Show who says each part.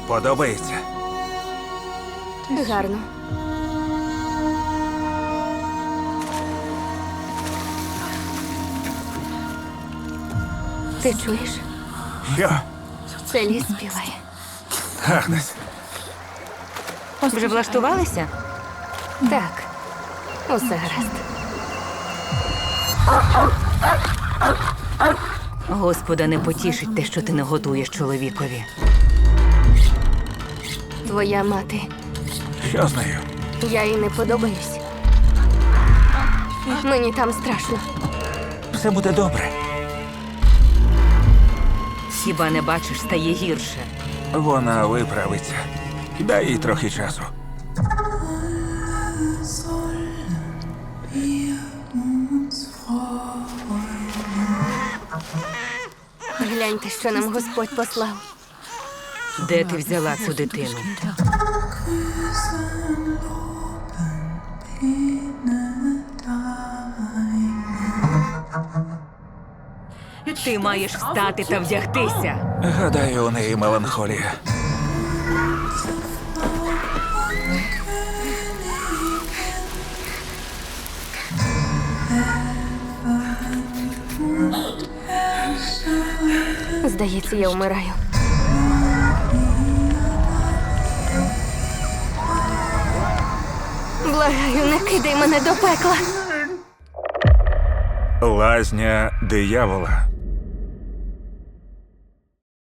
Speaker 1: Подобається?
Speaker 2: Гарно. Ти чуєш?
Speaker 1: Що?
Speaker 2: Це ліс співає.
Speaker 1: Агнес,
Speaker 3: Вже влаштувалися?
Speaker 2: Так, усе гаразд.
Speaker 3: Господа не потішить те, що ти не готуєш чоловікові.
Speaker 2: Твоя мати.
Speaker 1: що з нею?
Speaker 2: Я їй не подобаюсь. Мені там страшно.
Speaker 1: Все буде добре.
Speaker 3: Хіба не бачиш, стає гірше.
Speaker 1: Вона виправиться. Дай їй трохи часу.
Speaker 2: Гляньте, що нам Господь послав.
Speaker 3: Де ти взяла цю дитину? Ти маєш встати та вдягтися.
Speaker 1: Гадаю, у неї меланхолія.
Speaker 2: Здається, я вмираю. Благаю, не кидай мене до пекла.
Speaker 1: Лазня диявола.